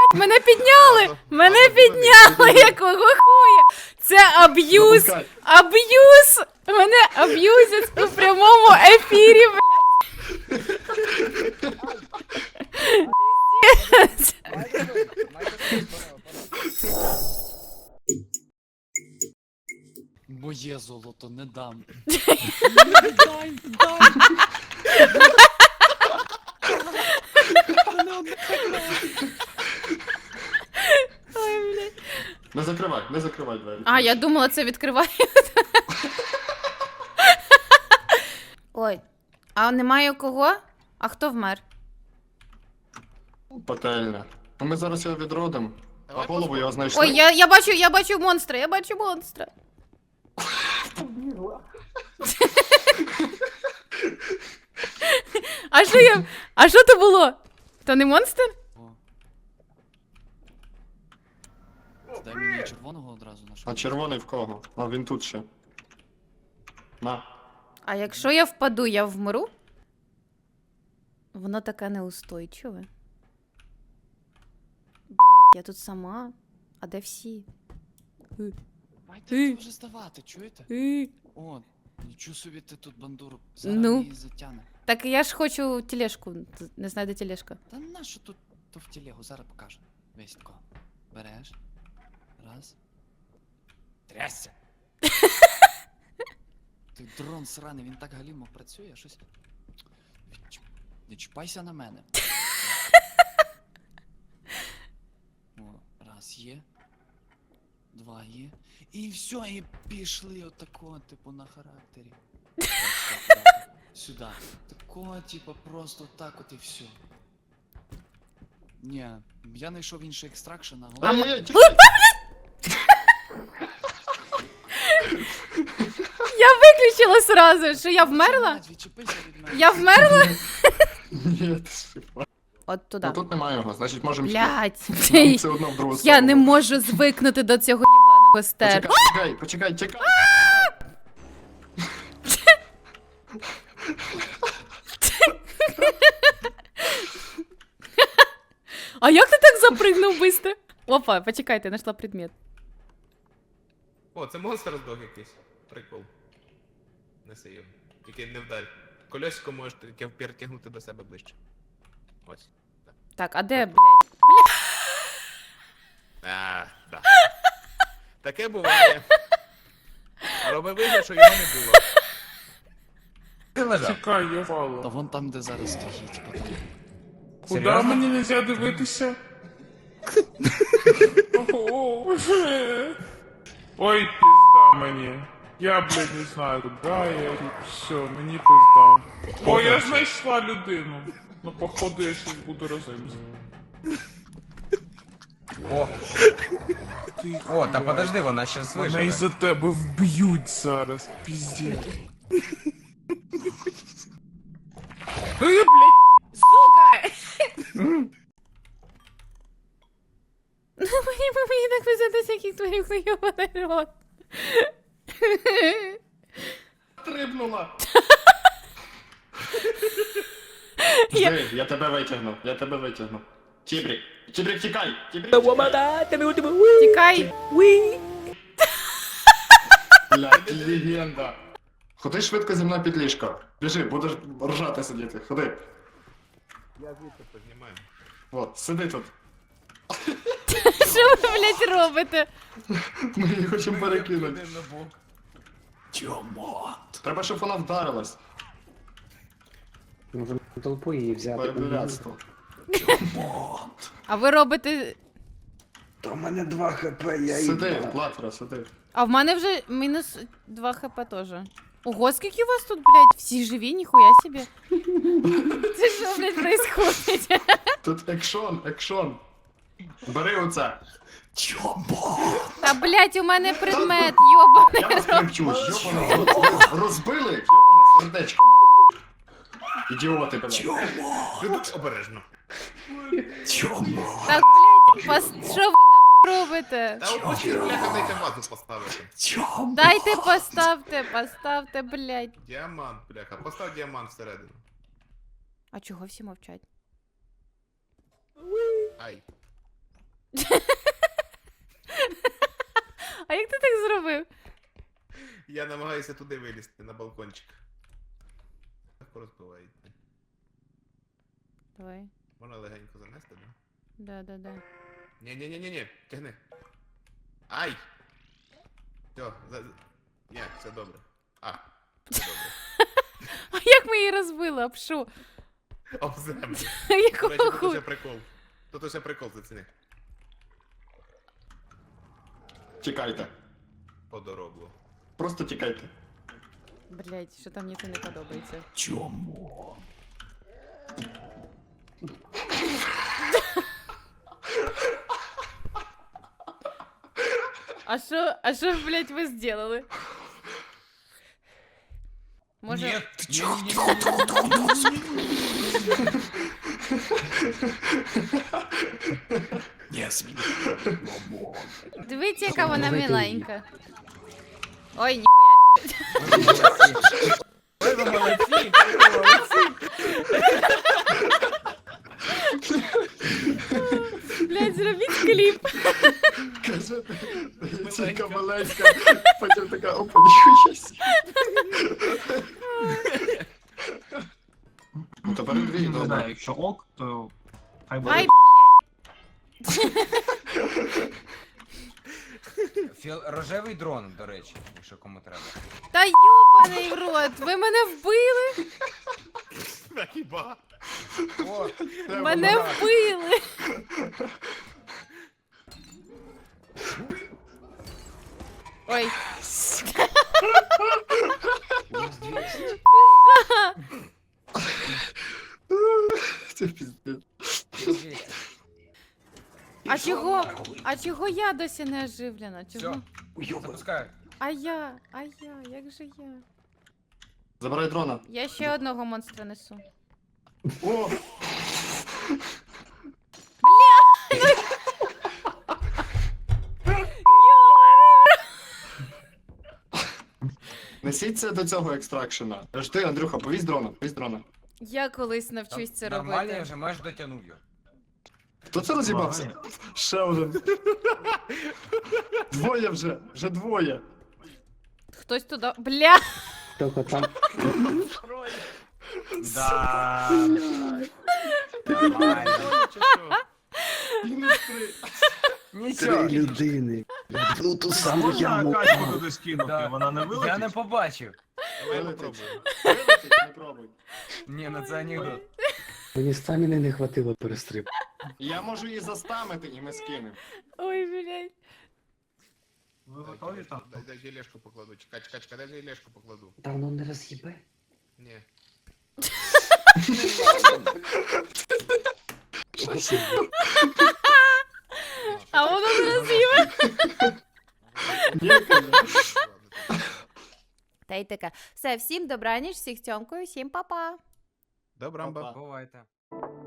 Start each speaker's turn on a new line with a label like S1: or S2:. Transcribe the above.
S1: Мене підняли! Мене підняли! Якого хуя? Це аб'юз! Аб'юз! Мене аб'юзять у прямому ефірі, блядь! Пиздец!
S2: Моє золото не дам.
S1: Ой, блядь.
S3: Не закривай двері.
S1: А, я думала, це відкривають. Ой, а немає кого? А хто вмер?
S3: Пательня. Ну ми зараз його відродимо. А голову його знайшли.
S1: Ой, я бачу монстра, я бачу монстра. А що то було? То не монстр?
S2: Дай мені червоного одразу на
S3: А червоний в кого? А він тут ще. На.
S1: А якщо я впаду, я вмру? Воно таке неустойчиве. Блять, я тут сама. А де всі?
S2: Давайте вже здавати, чуєте? О, нічого собі ти тут бандуру. Зараз
S1: Ну.
S2: її затягне.
S1: Так я ж хочу тележку. Не знаю, де тележка.
S2: Та нащо тут то в тілегу? Зараз покажу. Весь тако. Береш. Раз. Трясся. Ти дрон сраний, він так галімо працює, щось. Не чіпайся на мене. О, раз є. Два є. І все, і пішли отако, типу, на характері. Так. Сюди. Такого, типу, просто так от і все. Ні, я знайшов інший екстракшн, а головне...
S1: Я виключила сразу, що я вмерла?
S2: Відчепися від мене.
S1: Я вмерла?
S3: Ні, ти співай.
S1: От туди.
S3: Ну тут немає його, значить можемо
S1: Блять.
S3: Нам все одно в другу
S1: Я
S3: сторону.
S1: не можу звикнути до цього єбаного стеру.
S3: Почекай.
S1: А як ти так запригнув быстро? Опа, почекайте, знайшла предмет.
S4: О, це монстр здох якийсь. Прикол. Неси його. Тільки не вдарь. Колесико можеш тільки перетягнути до себе ближче. Ось.
S1: Так, а де, блядь?
S4: Да. Таке буває. Роби вигляд, що його не було. Ти лежав.
S5: Чекай, я
S2: Та
S5: вала.
S2: вон там, де зараз стоїть. Потім.
S5: Куда
S4: Серйозно?
S5: мені нельзя дивитися? Ого. Ой, пизда мені. Я, блядь, не знаю, куда я. Все, мені пизда. О, я знайшла людину. Ну, походу, я щас буду розуміти.
S6: О,
S5: Ти,
S6: о, та подожди, вона щас
S5: мене
S6: виживе.
S5: із-за тебе вб'ють зараз, піздець. Блядь.
S1: Мені так везеться, яких твоїх хуйований рот.
S3: Стрибнула. Жди, я тебе витягну. Тібрік, тікай!
S1: Тікай.
S3: Блядь, легенда. Ходи швидко зі мною під ліжко. Біжи, будеш ржати сидіти. Ходи.
S4: Я звідси познімаю.
S3: От, сиди тут.
S1: Що ви, блядь, робите?
S3: Ми її хочемо перекинути.
S4: Один на бок.
S3: Треба, щоб вона вдарилась.
S7: Може толпу її взяти.
S3: Перебирацтво.
S1: А ви робите...
S7: То в мене 2 хп, я
S3: Сиди, Латра, сиди.
S1: А в мене вже мінус 2 хп теж. Ого, скільки у вас тут, блядь, всі живі, ніхуя собі. Це що, блядь, происходить?
S3: Тут екшон. Бери оце.
S1: Та, блядь, у мене предмет, йобаний.
S3: Я вас привчу, йобане. Розбили, йобане сердечко, нахуй. Ідіоти, блядь.
S4: Люди, обережно.
S1: Так, блядь, що ви нахуй робите?
S4: Та опустіть, бляха, дайте вазу поставити.
S1: Дайте поставте, блядь.
S4: Діамант, бляха. Постав діамант всередину.
S1: А чого всі мовчать?
S4: Ай.
S1: А як ти так зробив?
S4: Я намагаюся туди вилізти, на балкончик. Легко розбивається.
S1: Давай.
S4: Можна легенько занести, да?
S1: Да.
S4: Ні, тягни. Ай! Все, ні, все добре. А, все добре.
S1: А як ми її розбили? Об що?
S4: Об землю. До
S1: Якого
S4: речі, тут
S1: хуя?
S4: ще прикол. Тут ще прикол, заціни.
S3: Тікайте.
S4: Подоробло.
S3: Просто тікайте.
S1: Блять, що там мені це не подобається.
S2: Чому?
S1: А що, блять, ви зробили? Може...
S2: Не смій.
S1: Дивіться, яка вона
S7: Давайте
S1: миленька. Ой, ніхуя собі.
S2: Ой, ви молодці!
S1: Блять, зробіть кліп.
S3: Каже, тільки маленька, потім така, опа, ніхуя сі. Ну, тепер дві,
S6: Не знаю,
S3: добре.
S6: якщо ок, то хай буде.
S1: Ай,
S8: Рожевий дрон, до речі, якщо кому треба.
S1: та йобаний в рот, ви мене вбили.
S4: Та хіба?
S8: О,
S1: Мене вбили. Ой,
S3: Це піздець.
S1: а чого я досі не оживлена? Чого?
S8: все, запускаю.
S1: А я, як же я?
S3: Забирай дрона.
S1: Я ще одного монстра несу.
S3: О! Несіть це до цього екстракшена. Жди, Андрюха, повізь дрона, повізь дрона.
S1: Я колись навчусь це
S8: Нормально, я
S1: робити.
S8: вже майже дотягнув його.
S3: Хто це роз'їбався? Ще один. Двоє вже двоє.
S1: Хтось туди. Бля!
S7: Тільки там
S8: Да. Нормально.
S3: Мінус 3.
S8: Нічого.
S7: 3 людини. Ну ту саму
S6: Можна
S7: яму.
S6: качку туди скинути,
S8: Да.
S6: вона не
S8: Я не
S6: вилетить?
S8: побачив.
S4: Давай я
S3: Вилетить.
S4: попробую.
S3: Вилетить, не пробуй.
S8: Ні, ну це анекдот.
S7: Мені стаміни не хватило перестриб.
S3: Я можу її застамити і ми скинемо.
S1: Ой, блядь.
S6: Ви готові там?
S4: Дай желешку покладу. Чекай, дай желешку покладу.
S7: Та воно не роз'їбе.
S4: Ні.
S1: А воно не роз'їме.
S3: Ні, кажу.
S1: Та й таке. Все, всім добраніч, всіх цьомкою, всім па-па.
S4: Добрамба.
S3: Па-па.
S8: Бувайте.